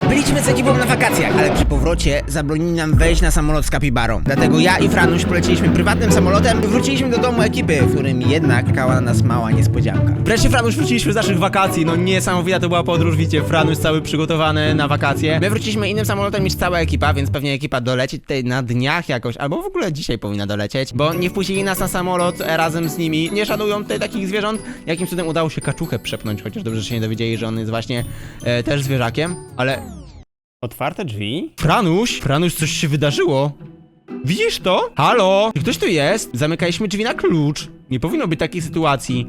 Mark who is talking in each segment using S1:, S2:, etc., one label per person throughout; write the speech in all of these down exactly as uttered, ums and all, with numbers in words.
S1: Byliśmy z ekipą na wakacjach, ale przy powrocie zabronili nam wejść na samolot z kapibarą. Dlatego ja i Franuś poleciliśmy prywatnym samolotem i wróciliśmy do domu ekipy, w którym jednak czekała na nas mała niespodzianka.
S2: Wreszcie, Franuś, wróciliśmy z naszych wakacji. No niesamowita to była podróż, widzicie, Franuś cały przygotowany na wakacje.
S1: My wróciliśmy innym samolotem niż cała ekipa, więc pewnie ekipa doleci tutaj na dniach jakoś, albo w ogóle dzisiaj powinna dolecieć, bo nie wpuścili nas na samolot e, razem z nimi. Nie szanują tutaj takich zwierząt. Jakim cudem udało się kaczuchę przepchnąć, chociaż dobrze, że się nie dowiedzieli, że on jest właśnie e, też zwierzakiem, ale... Otwarte drzwi? Franuś! Franuś, coś się wydarzyło. Widzisz to? Halo? Czy ktoś tu jest? Zamykaliśmy drzwi na klucz. Nie powinno być takiej sytuacji.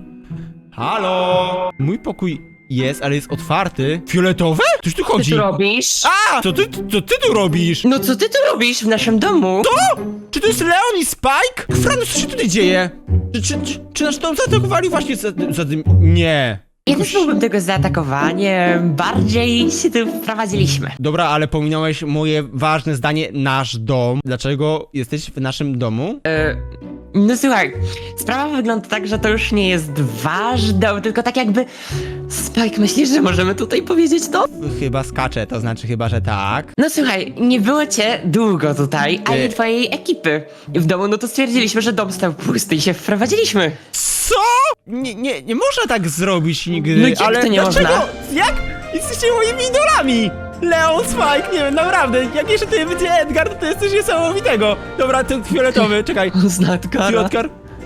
S1: Halo? Mój pokój jest, ale jest otwarty. Fioletowe? Coś tu
S3: Co
S1: chodzi.
S3: ty robisz?
S1: A! Co ty, co ty tu robisz?
S3: No co ty tu robisz w naszym domu?
S1: To? Czy to jest Leon i Spike? Franuś, co się tutaj dzieje? Czy, czy, czy, czy nasz dom zaatakowali właśnie za, za tym? Nie.
S3: Ja też byłbym tego zaatakowanie. Bardziej się tu wprowadziliśmy.
S1: Dobra, ale pominąłeś moje ważne zdanie, nasz dom. Dlaczego jesteś w naszym domu?
S3: E, no słuchaj, sprawa wygląda tak, że to już nie jest wasz dom, tylko tak jakby... Spike, myślisz, że możemy tutaj powiedzieć to?
S1: Chyba skaczę, to znaczy chyba, że tak.
S3: No słuchaj, nie było cię długo tutaj, ani
S1: Nie.
S3: twojej ekipy w domu, no to stwierdziliśmy, że dom stał pusty i się wprowadziliśmy.
S1: Co? Nie, nie, nie można tak zrobić nigdy,
S3: No jak
S1: ale
S3: to nie
S1: dlaczego?
S3: można?
S1: Jak? Jesteście moimi idolami! Leon, Spike, nie wiem, naprawdę, jak jeszcze tutaj będzie Edgar, to jest coś niesamowitego. Dobra, ten fioletowy, czekaj.
S3: Znatkara.
S1: Fioletkar.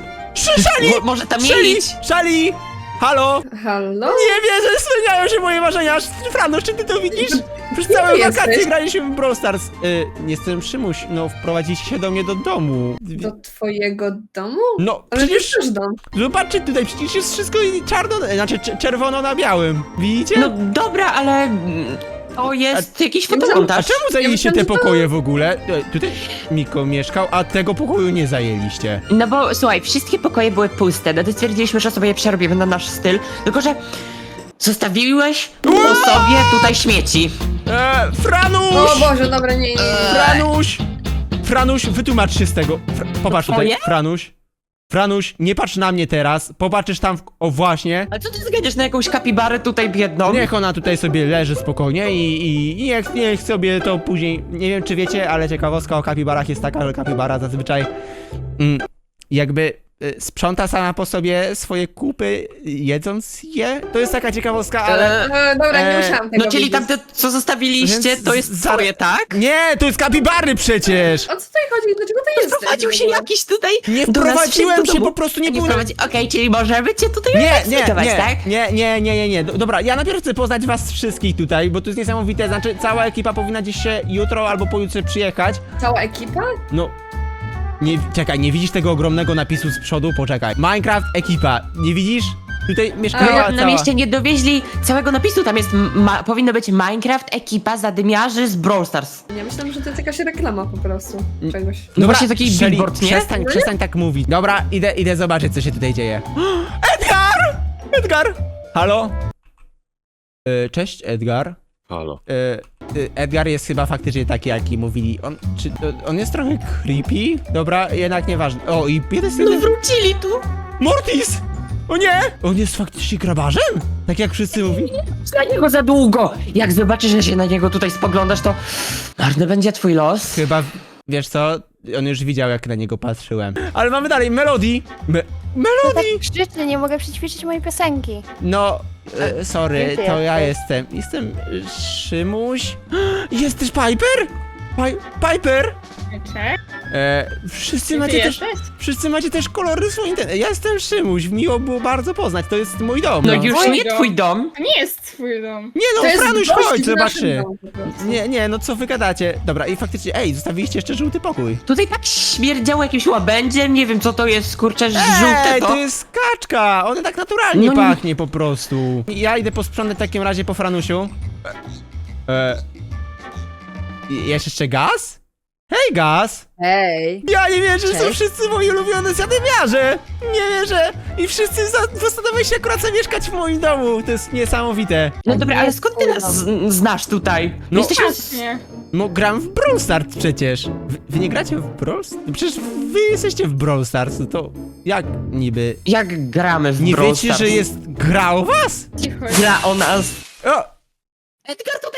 S1: Szali!
S3: Mo- może tam
S1: Szali!
S3: mieć.
S1: Szali! Halo?
S4: Halo?
S1: Nie wierzę, spełniają się moje marzenia. Franuś, czy ty to widzisz? Przez
S4: Gdzie
S1: całe
S4: ty
S1: wakacje
S4: jesteś?
S1: graliśmy w Brawl Stars. Y, jestem Szymuś, no wprowadziliście się do mnie do domu.
S4: Do twojego domu?
S1: No,
S4: Ale
S1: przecież...
S4: to też dom.
S1: Zobaczcie tutaj, przecież jest wszystko czarno, znaczy cz- czerwono na białym. Widzicie?
S3: No dobra, ale... mm, To jest jakiś
S1: A
S3: fotomontaż.
S1: czemu zajęliście
S4: myślałam,
S1: te
S4: że to-
S1: pokoje w ogóle? E, Tutaj Miko mieszkał, a tego pokoju nie zajęliście.
S3: No bo słuchaj, wszystkie pokoje były puste, no to stwierdziliśmy, że sobie je przerobimy na nasz styl, tylko że zostawiłeś po sobie tutaj śmieci.
S1: E, Franuś!
S4: O Boże, dobra, nie, nie, nie.
S1: Franuś! Franuś, wytłumacz się z tego. Fra popatrz tutaj,
S3: Twoje?
S1: Franuś. Franuś, nie patrz na mnie teraz, popatrzysz tam w... O właśnie.
S3: Ale co ty zgadziesz na jakąś kapibarę tutaj biedną?
S1: Niech ona tutaj sobie leży spokojnie i, i, i niech, niech sobie to później... Nie wiem, czy wiecie, ale ciekawostka o kapibarach jest taka, że kapibara zazwyczaj mm, jakby y, sprząta sama po sobie swoje kupy, jedząc je. To jest taka ciekawostka, ale...
S3: Ale...
S4: E, dobra, nie
S1: E,
S4: musiałam tego
S3: No czyli
S4: widzieć.
S3: tamte, co zostawiliście,
S1: Więc
S3: to jest
S1: za-
S3: twoje, tak?
S1: Nie, to jest kapibary przecież!
S4: O co tutaj chodzi? Dlaczego to jest?
S3: Wprowadził się jakiś tutaj
S1: Nie
S3: do nas
S1: wprowadziłem
S3: do
S1: się,
S3: domu.
S1: po prostu nie
S3: nie
S1: byłem...
S3: wprowadzi... Okej, czyli możemy cię tutaj
S1: Nie, nie,
S3: zlikwidować,
S1: nie,
S3: tak?
S1: nie, nie, nie, nie, nie. Do- Dobra, ja najpierw chcę poznać was wszystkich tutaj, bo to jest niesamowite, znaczy cała ekipa powinna gdzieś się jutro albo pojutrze przyjechać.
S4: Cała ekipa?
S1: No, nie, czekaj, nie widzisz tego ogromnego napisu z przodu? Poczekaj. Minecraft ekipa, nie widzisz? Tutaj mieszkała
S3: No,
S1: cała...
S3: nam jeszcze nie dowieźli całego napisu, tam jest, ma, powinno być Minecraft ekipa zadymiarzy z Brawl Stars.
S4: Ja myślałam, że to jest jakaś reklama po prostu. Czegoś.
S3: No właśnie taki
S1: Shelly,
S3: billboard, nie?
S1: Przestań, przestań tak mówić. Dobra, idę, idę zobaczyć, co się tutaj dzieje. Edgar! Edgar! Halo? E, cześć, Edgar.
S5: Halo.
S1: E, e, Edgar jest chyba faktycznie taki, jaki mówili. On, czy, to- on jest trochę creepy? Dobra, jednak nieważne. O, i jeden z
S3: No wrócili tu!
S1: Mortis! O nie! On jest faktycznie grabarzem? Tak jak wszyscy mówili.
S3: Na niego za długo! Jak zobaczysz, że się na niego tutaj spoglądasz, to marny będzie twój los.
S1: Chyba, wiesz co? On już widział, jak na niego patrzyłem. Ale mamy dalej Melody! Me Melody!
S6: Tak krzyczy, nie mogę przećwiczyć mojej piosenki.
S1: No, e, sorry,
S6: Gdzie ty
S1: to ja
S6: jesteś?
S1: jestem. Jestem e, Szymuś. Jest też Piper? Pi Piper? E, wszyscy macie też. Wszyscy macie też kolory swoje. Ja jestem Szymuś, miło było bardzo poznać. To jest mój dom.
S3: No
S1: No.
S3: już
S7: Twój
S3: nie
S7: dom.
S3: twój dom.
S7: To nie jest twój dom.
S1: Nie no,
S4: To jest
S1: Franuś,
S4: gość
S1: chodź,
S4: w naszym
S1: zobaczy.
S4: domu po prostu.
S1: Nie, nie, no co wy gadacie? Dobra, i faktycznie, ej, zostawiliście jeszcze żółty pokój.
S3: Tutaj tak śmierdziało jakimś łabędziem, nie wiem co to jest, kurczę, żółte
S1: Ej,
S3: to.
S1: to jest kaczka! Ona tak naturalnie
S3: No nie-
S1: pachnie po prostu. Ja idę posprzątać w takim razie po Franusiu. E, e, jest jeszcze Gaz? Hej, Gaz!
S6: Hej.
S1: Ja nie wierzę, że są
S6: Cześć.
S1: wszyscy moi ulubione zadymiarze! Nie wierzę! I wszyscy za- postanowili się akurat zamieszkać w moim domu. To jest niesamowite.
S3: No dobra, ale skąd ty nas z- znasz tutaj?
S1: No-
S3: No jesteśmy z...
S7: Właśnie.
S1: No, gram w Brawl Stars przecież. Wy, wy nie gracie w Brawl Stars? Przecież wy jesteście w Brawl Stars, no to jak niby?
S3: Jak gramy w
S1: Nie
S3: Brawl
S1: wiecie,
S3: Stars?
S1: że jest gra o was?
S7: Cicho.
S3: Gra o nas.
S1: O!
S3: Edgar tutaj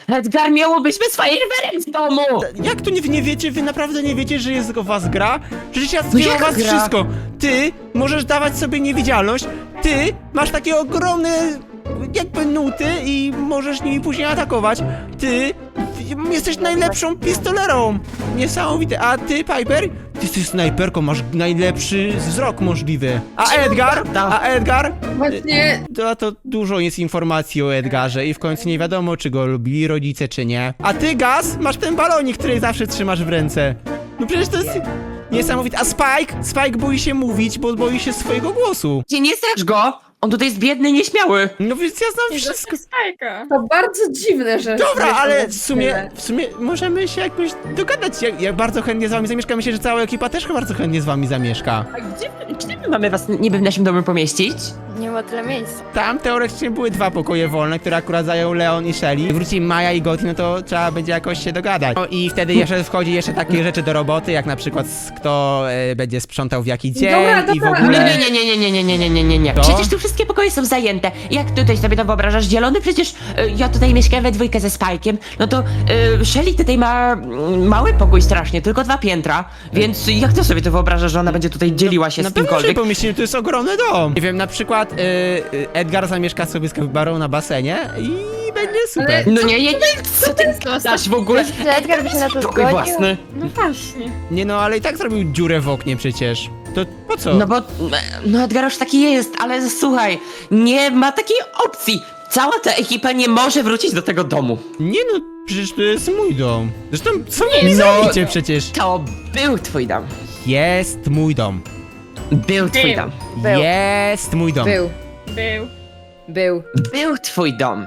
S3: Edgar, miałobyśmy fajerwerek w domu!
S2: Jak to nie, nie wiecie? Wy naprawdę nie wiecie, że jest o was gra? Przecież ja wiem o
S3: jak
S2: was
S3: gra?
S2: wszystko. Ty możesz dawać sobie niewidzialność. Ty masz takie ogromne jakby nuty i możesz nimi później atakować. Ty jesteś najlepszą pistolerą. Niesamowite. A ty, Piper? Ty jesteś snajperką, masz najlepszy wzrok możliwy. A Edgar? A Edgar?
S4: Właśnie,
S2: To, to dużo jest informacji o Edgarze i w końcu nie wiadomo, czy go lubili rodzice, czy nie. A ty, Gaz, masz ten balonik, który zawsze trzymasz w ręce. No przecież to jest niesamowite. A Spike? Spike boi się mówić, bo boi się swojego głosu.
S3: Gdzie nie strasz go? On tutaj jest biedny, nieśmiały.
S2: No więc ja znam wszystko.
S4: to bardzo dziwne, że...
S2: Dobra,
S4: że
S2: ale
S4: to
S2: w sumie,
S4: tyle.
S2: w sumie możemy się jakoś dogadać. Ja, ja bardzo chętnie z wami zamieszkam. Myślę, że cała ekipa też bardzo chętnie z wami zamieszka.
S3: A gdzie, gdzie my mamy was niby w naszym domu pomieścić?
S6: Nie ma tyle miejsc.
S2: Tam teoretycznie były dwa pokoje wolne, które akurat zajął Leon i Shelly. Wróci Maja i Gotti, no to trzeba będzie jakoś się dogadać. No i wtedy jeszcze wchodzi jeszcze takie rzeczy do roboty, jak na przykład s- kto e, będzie sprzątał w jaki dzień
S4: Dobra,
S2: i w
S4: dobra,
S2: ogóle...
S3: Nie, nie, nie, nie, nie, nie, nie, nie, nie, nie, nie.
S2: To?
S3: Przecież tu wszystkie pokoje są zajęte. Jak tutaj sobie to wyobrażasz? Zielony? Przecież y, ja tutaj mieszkam we dwójkę ze Spajkiem. No to y, Shelly tutaj ma mm, mały pokój strasznie, tylko dwa piętra. Więc jak ty sobie to wyobrażasz, że ona będzie tutaj dzieliła się
S2: Na
S3: z
S2: pewno, że
S3: kimkolwiek?
S2: pomyślimy, to jest ogromny dom. Nie wiem, na przykład y, y, Edgar zamieszka sobie z kapibarą na basenie i będzie super.
S4: Ale-
S3: No nie, nie, nie, co ty dasz w ogóle?
S6: Że Edgar by się na to
S3: Pokój
S6: zgodził?
S3: własny.
S4: No właśnie.
S2: Nie no, ale i tak zrobił dziurę w oknie przecież. To po co?
S3: No bo, no Edgar już taki jest, ale słuchaj, nie ma takiej opcji. Cała ta ekipa nie może wrócić do tego domu.
S2: Nie no, przecież to jest mój dom. Zresztą co mi
S3: no.
S2: zrobicie przecież?
S3: To był twój dom.
S2: Jest mój dom.
S3: Był twój dom.
S6: Był.
S2: Jest mój dom.
S4: Był.
S5: Był.
S4: Był.
S3: Był twój dom.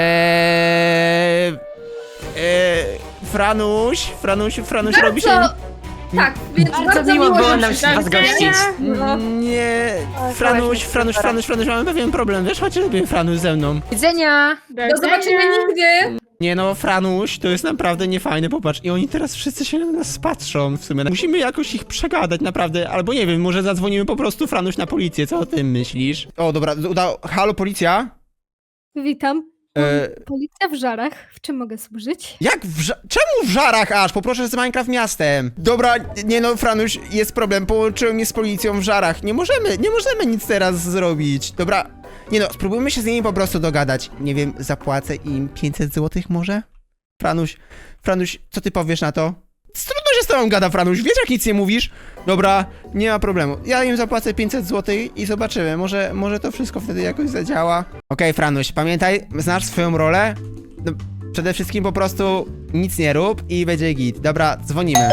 S2: Eee, eee, Franuś, Franuś, Franuś robi się...
S4: Bardzo... Tak, więc
S3: Bardzo
S4: bardzo,
S3: miło było
S4: że
S3: nam
S4: przyszedłeś.
S3: was gościć.
S4: No.
S2: Nie,
S6: O,
S2: Franuś,
S6: super.
S2: Franuś, Franuś, Franuś, mamy pewien problem, wiesz, chodź sobie Franuś ze mną.
S5: Widzenia.
S4: Do zobaczenia nigdy.
S2: Nie no, Franuś, to jest naprawdę niefajne, popatrz. I oni teraz wszyscy się na nas patrzą w sumie. Musimy jakoś ich przegadać, naprawdę. Albo nie wiem, może zadzwonimy po prostu, Franuś, na policję, co o tym myślisz? O, dobra, udało. Halo, policja?
S7: Witam.
S2: E,
S7: Policja w Żarach. W czym mogę służyć?
S2: Jak w ża- Czemu w żarach aż? Poproszę z Minecraft miastem. Dobra, nie no, Franuś, jest problem. Połączyłem mnie z policją w żarach. Nie możemy, nie możemy nic teraz zrobić. Dobra, nie no, spróbujmy się z nimi po prostu dogadać. Nie wiem, zapłacę im pięćset złotych może? Franuś, Franuś, co ty powiesz na to? Trudno się z tobą gada, Franuś, wiesz jak nic nie mówisz? Dobra, nie ma problemu. Ja im zapłacę pięćset złotych i zobaczymy, może, może to wszystko wtedy jakoś zadziała. Okej, Franuś, pamiętaj, znasz swoją rolę? No, przede wszystkim po prostu nic nie rób i będzie git. Dobra, dzwonimy.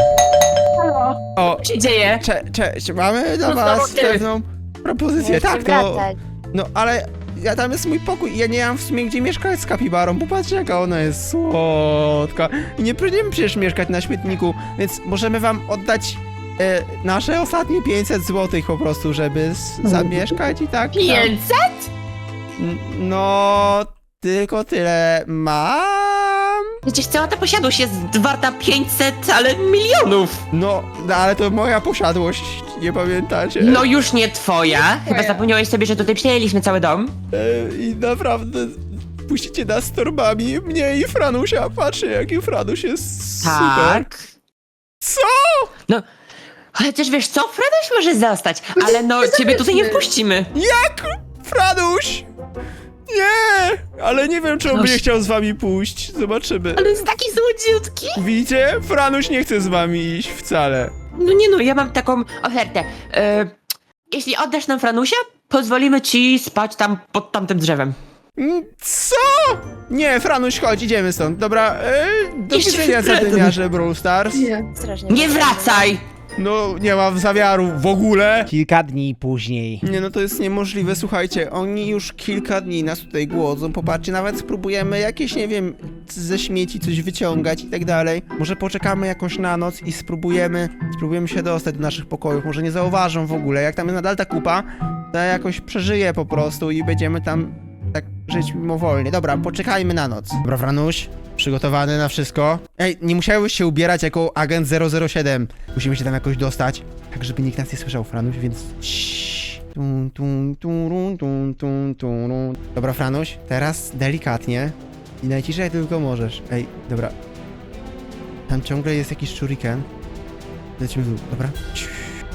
S2: O,
S3: Co się dzieje?
S2: cze cześć, mamy dla
S3: No
S2: was
S3: znowu ty.
S2: pewną propozycję.
S6: Muszę
S2: Tak, to...
S6: wracać.
S2: No, ale ja tam jest mój pokój i ja nie mam w sumie gdzie mieszkać z kapibarą. Popatrzcie jaka ona jest słodka. I nie będziemy przecież mieszkać na śmietniku, więc możemy wam oddać e, nasze ostatnie pięćset złotych po prostu, żeby s- zamieszkać i tak. tam.
S3: pięćset?
S2: N- No, tylko tyle mam.
S3: Przecież cała ta posiadłość jest warta pięćset, ale milionów.
S2: No, no, ale to moja posiadłość, nie pamiętacie?
S3: No już nie twoja. Chyba zapomniałeś sobie, że tutaj przejęliśmy cały dom.
S2: E, I naprawdę puścicie nas z torbami, mnie i Franusia. Patrzcie, jaki Franuś jest super.
S3: Tak.
S2: Co?
S3: No, ale też wiesz co? Fredoś może zostać, ale no ciebie tutaj nie wpuścimy.
S2: Jak? Franuś? Nie! Ale nie wiem, czy on
S3: Franuś.
S2: będzie chciał z wami pójść. Zobaczymy.
S3: Ale jest taki słodziutki.
S2: Widzicie? Franuś nie chce z wami iść wcale.
S3: No nie no, ja mam taką ofertę. E, jeśli oddasz nam Franusia, pozwolimy ci spać tam pod tamtym drzewem.
S2: Mm, Co? Nie, Franuś, chodź, idziemy stąd. Dobra, e, do
S3: Jeszcze
S2: widzenia
S3: Fredon.
S2: zadymiarze Brawl Stars.
S4: Nie.
S6: Strasznie.
S3: Nie wracaj!
S2: No, nie ma zamiaru w ogóle.
S1: Kilka dni później.
S2: Nie no, to jest niemożliwe, słuchajcie, oni już kilka dni nas tutaj głodzą, popatrzcie, nawet spróbujemy jakieś, nie wiem, ze śmieci coś wyciągać i tak dalej. Może poczekamy jakoś na noc i spróbujemy, spróbujemy się dostać do naszych pokojów, może nie zauważą w ogóle, jak tam jest nadal ta kupa, to ja jakoś przeżyję po prostu i będziemy tam tak żyć mimowolnie. Dobra, poczekajmy na noc. Dobra, Franuś, przygotowany na wszystko. Ej, nie musiałeś się ubierać jako agent zero zero siedem. Musimy się tam jakoś dostać, tak żeby nikt nas nie słyszał, Franuś, więc... Ciii. Tum, tum, turun, tum, tum, turun. Dobra, Franuś, teraz delikatnie. I najciszej jak tylko możesz. Ej, dobra. Tam ciągle jest jakiś shuriken. Lecimy w dół, dobra? Ciii.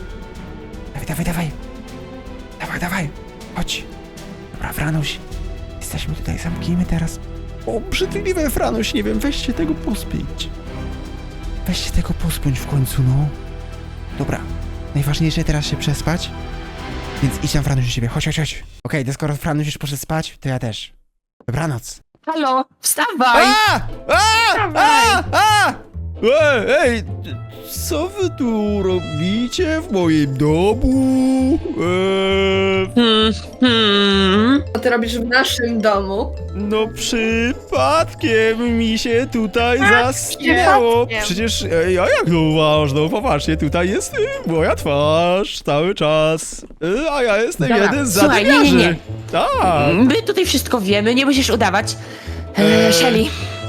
S2: Dawaj, dawaj, dawaj. Dawaj, dawaj. Chodź. Dobra, Franuś. Jesteśmy tutaj, zamknijmy teraz. O, brzydliwe, Franuś, nie wiem, weźcie tego pospić. Weźcie tego pospiąć w końcu, no. Dobra. Najważniejsze teraz się przespać. Więc idź tam, Franuś, do siebie. Chodź, chodź, chodź. Okej, to skoro Franuś już poszedł spać, to ja też. Dobranoc.
S3: Halo, wstawaj!
S2: A! A! A! A! Ej, ej, co wy tu robicie w moim domu? Eee,
S3: Hmm, hmm.
S4: Co ty robisz w naszym domu?
S2: no przypadkiem mi się tutaj zaschnęło.
S6: przypadkiem.
S2: Przecież e, ja jak to uważam, no popatrzcie, tutaj jest e, moja twarz cały czas. E, a ja jestem
S3: Dobra,
S2: jeden z
S3: słuchaj, nie, nie,
S2: zadymiarzy.
S3: nie.
S2: Tak.
S3: My tutaj wszystko wiemy, nie musisz udawać. E,
S2: Eee.
S3: Shelly,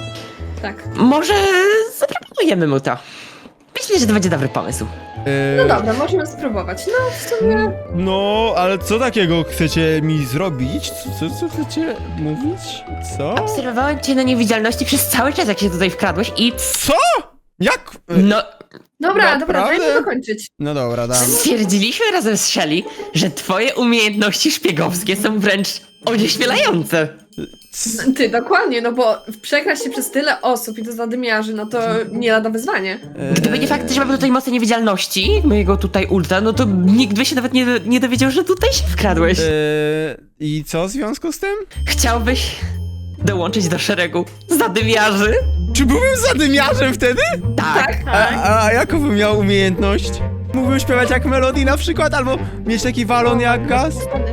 S4: Tak.
S3: może zaproponujemy mu to. Myślę, że to będzie dobry pomysł.
S2: E,
S4: No dobra, możemy spróbować. No w sumie...
S2: No, ale co takiego chcecie mi zrobić? Co, co, co chcecie mówić? Co?
S3: Obserwowałem cię na niewidzialności przez cały czas, jak się tutaj wkradłeś i...
S2: Co? Jak? E,
S3: No,
S4: Dobra, dobra,
S2: Naprawdę?
S4: dajmy dokończyć.
S2: No dobra, dam.
S3: stwierdziliśmy razem z Shelly, że twoje umiejętności szpiegowskie są wręcz onieśmielające.
S2: C-
S4: Ty, dokładnie, no bo przekraść się przez tyle osób i to zadymiarzy, no to nie lada wyzwanie.
S2: e,
S3: Gdyby nie fakt, że mamy tutaj mocne niewidzialności, mojego tutaj ulta, no to nikt by się nawet nie, nie dowiedział, że tutaj się wkradłeś.
S2: e, I co w związku z tym?
S3: Chciałbyś dołączyć do szeregu zadymiarzy?
S2: Czy byłem zadymiarzem wtedy?
S3: Tak.
S2: A, a jaką bym miał umiejętność? Mógłbym śpiewać jak Melody na przykład, albo mieć taki walon jak gaz?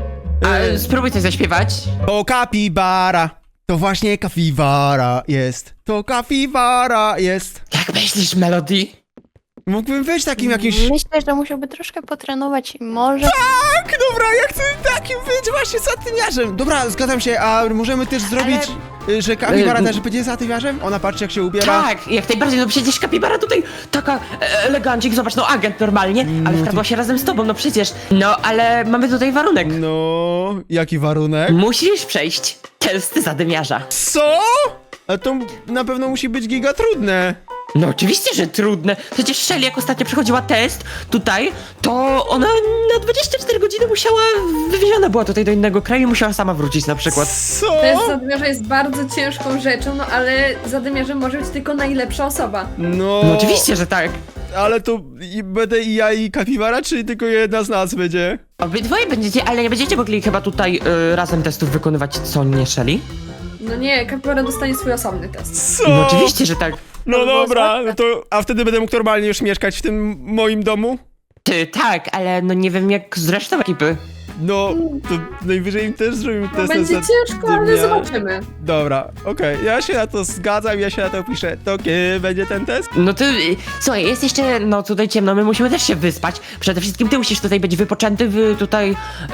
S3: A, spróbuj coś zaśpiewać.
S2: To kapibara. To właśnie kapibara jest. To kapibara jest.
S3: Jak myślisz, Melody?
S2: Mógłbym być takim jakimś...
S6: Myślę, że musiałby troszkę potrenować i może...
S2: Tak, dobra, ja chcę takim być właśnie zadymiarzem. Dobra, zgadzam się, a możemy też zrobić, y, że kapibara
S3: Y,
S2: też będzie zadymiarzem? Ona patrzy jak się ubiera.
S3: Tak, jak najbardziej, no przecież kapibara tutaj taka e, elegancik, zobacz, no agent normalnie, ale wkradła się razem z tobą, no przecież. No, ale mamy tutaj warunek.
S2: No, jaki warunek?
S3: Musisz przejść testy zadymiarza.
S2: Co? A to na pewno musi być giga trudne.
S3: No oczywiście, że trudne. Przecież Shelly, jak ostatnio przechodziła test tutaj, to ona na dwadzieścia cztery godziny musiała, wywieziona była tutaj do innego kraju i musiała sama wrócić na przykład.
S2: Co?
S4: Test zadymiarza jest bardzo ciężką rzeczą, no ale zadymiarzem może być tylko najlepsza osoba.
S2: No,
S3: No oczywiście, że tak.
S2: ale to i będę i ja i kapibara, czy tylko jedna z nas będzie?
S3: Obydwoje będziecie, ale nie będziecie mogli chyba tutaj y, razem testów wykonywać, co nie Shelly?
S4: No nie, kapibara dostanie swój osobny test.
S2: Co?
S3: No oczywiście, że tak.
S2: No
S4: To było
S2: dobra,
S4: słodkie.
S2: no to, a wtedy będę mógł normalnie już mieszkać w tym moim domu?
S3: Ty, tak, ale no nie wiem jak z resztą ekipy.
S2: No, to najwyżej im też zrobimy
S4: No
S2: test
S4: będzie
S2: na
S4: ciężko, ale
S2: zadymiarz.
S4: zobaczymy.
S2: Dobra, okej, ja się na to zgadzam, ja się na to piszę. To kiedy będzie ten test?
S3: No ty, y, słuchaj, jest jeszcze, no tutaj ciemno, my musimy też się wyspać. Przede wszystkim ty musisz tutaj być wypoczęty, wy tutaj,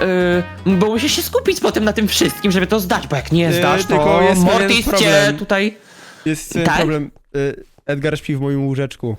S3: y, bo musisz się skupić potem na tym wszystkim, żeby to zdać, bo jak nie
S2: Y,
S3: zdasz,
S2: tylko
S3: to
S2: jest pewien
S3: Mortis cię
S2: problem.
S3: tutaj...
S2: Jest ten
S3: Tak?
S2: problem. Y, Edgar śpi w moim łóżeczku.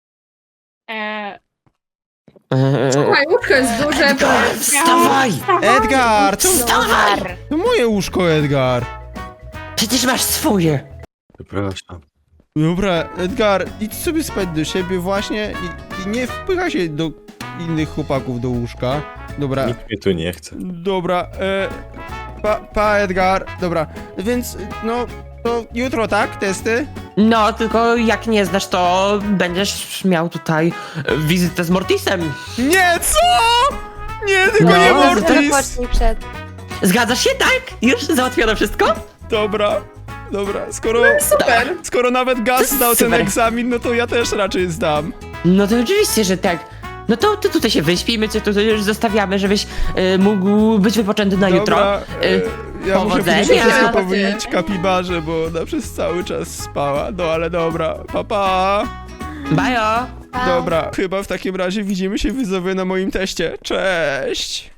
S6: Eee,
S3: Yy,
S4: Słuchaj, łóżko jest duże, to...
S3: wstawaj!
S2: Edgar! To,
S3: Wstawaj!
S2: to moje łóżko, Edgar!
S3: Przecież masz swoje.
S5: Przepraszam.
S2: Dobra, Edgar, idź sobie spać do siebie właśnie i, i nie wpycha się do innych chłopaków do łóżka. Dobra,
S5: Nikt mnie tu nie chce.
S2: dobra, e, pa, pa Edgar, dobra, więc no, to jutro, tak, testy?
S3: No, tylko jak nie zdasz, to będziesz miał tutaj e, wizytę z Mortisem.
S2: Nie, co? Nie, tylko
S3: No,
S2: nie
S3: to
S2: Mortis!
S6: Odpocznij przed.
S3: Zgadzasz się, tak? Już załatwiono wszystko?
S2: Dobra, dobra, skoro,
S4: Super.
S2: skoro nawet Gaz
S3: To
S2: zdał ten
S3: super.
S2: egzamin, no to ja też raczej zdam.
S3: No to oczywiście, że tak. No to ty tutaj się wyśpij, my cię tutaj już zostawiamy, żebyś e, mógł być wypoczęty na jutro.
S2: Dobra, e,
S3: Y,
S2: ja muszę
S3: powodzenia.
S2: później wszystko
S4: Powodzenia.
S2: powiedzieć kapibarze, bo ona przez cały czas spała. No ale dobra, papa. Pa.
S3: Bajo!
S6: Pa.
S2: Dobra, chyba w takim razie widzimy się widzowie na moim teście. Cześć!